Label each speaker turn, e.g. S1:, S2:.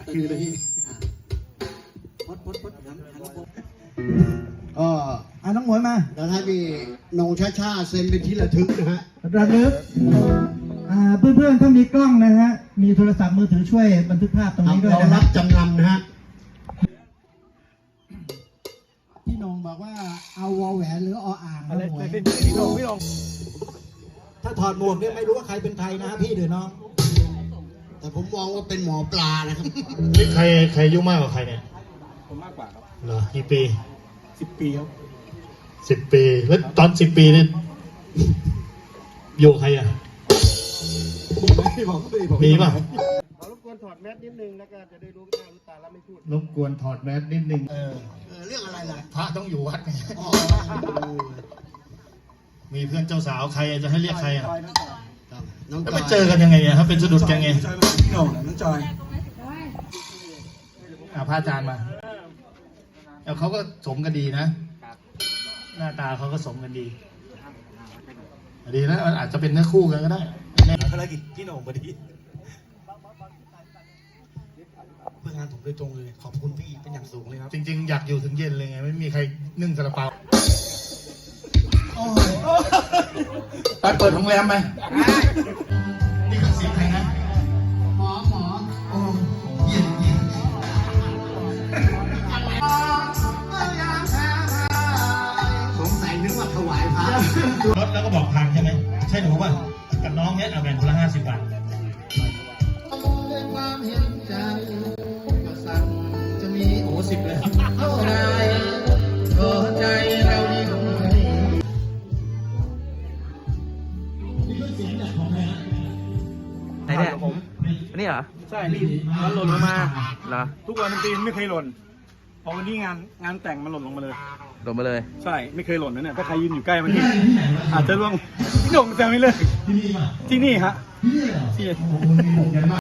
S1: คือเลยพี่พด
S2: น้องหมวยมา
S3: แล้วให้พี่นงช้าๆเซ็นเป็นที่ระทึกนะฮะ
S2: ระลึกเพื่อนๆถ้ามีกล้องนะฮะมีโทรศัพท์มือถือช่วยบันทึกภาพตรงนี้ด้วย
S3: เรา
S2: นะค
S3: รั
S2: รั
S3: บบ จำนำนะฮะพี่นงบอกว่าเอาวอแหวนหรือออ่างนะหมวย
S1: พี่ลง
S2: ถ้าถอดหมวกเนี่ยไม่รู้ว่าใครเป็นใครนะฮะพี่หรือน้อง
S3: แต่ผมมองว่าเป็นหมอปลานะครับ
S4: นี่ใครอายุมากกว่าใครเนี่ย
S1: ผมมากกว่าครับ
S4: เหรอกี่ปี
S1: 10 ปีครับ
S4: 10 ปีแล้วตอน10 ปีนี่อยู่ใครอ่ะ
S1: พี่บอก
S4: มีป่ะ
S1: ขอรบกวนถอดแมสนิดนึงแล้วก็จะได้รู้หน้ารู้ตาแล้วไม่พูด
S4: รบกวนถอดแมสนิดนึง
S3: เรื่องอะไรล่ะ
S4: พระต้องอยู่วัดไง
S3: อ๋อ
S4: มีเพื่อนเจ้าสาวใครจะให้เรียกใครอ่ะ
S3: ครับน้อง
S4: แล้ว
S3: จ
S4: ไป
S3: อย
S4: เจอกันยังไงอ่ะครับเป็นสะดุดกันไง
S1: พี่โหน่งน้องจอย
S4: พระอาจารย์มาแล้วเขาก็สมกันดีนะหน้าตาเขาก็สมกันดีดีนะมันอาจจะเป็นเนื้อคู่กันก็ได้
S1: ภารกิจพี่โหน่งพอดีเพื่องานผมโดยตรงเลยขอบคุณพี่เป็นอย่างสูงเลยครับ
S4: จริงๆ อยากอยู่ถึงเย็นเลยไงไม่มีใครนึ่งซาลาเปาไปเปิดโรงแรมไหมนี่คือเสียงใครนะ
S3: หมอ
S4: โอ้เย็นเย็น
S3: สงสัยนึกว่าถวายพระ
S4: รถแล้วก็บอกทางใช่ไหมใช่หนูป่ะกับน้องเนี้ยเอาแบ่งคนละ50 บาท
S3: ด้วยความเห็นใจก็สั่งจะมี
S4: โอ้10 เลย
S3: เท่าไรก็ใจเราดีกว่า
S5: ไหนเนี่ยอันนี้เหรอ
S1: ใช่นี่มันหล่นลงมา
S5: เหรอ
S1: ทุกวันดนตรีไม่เคยหล่นพอวันนี้งานแต่งมันหล่นลงมาเลย
S5: ลงมาเลย
S1: ใช่ไม่เคยหล่นนะเนี่ยถ้าใครยืนอยู่ใกล้มันนี่อาจจะร่วงพี่โหน่งแซวไม่เลยที่นี่ฮะที่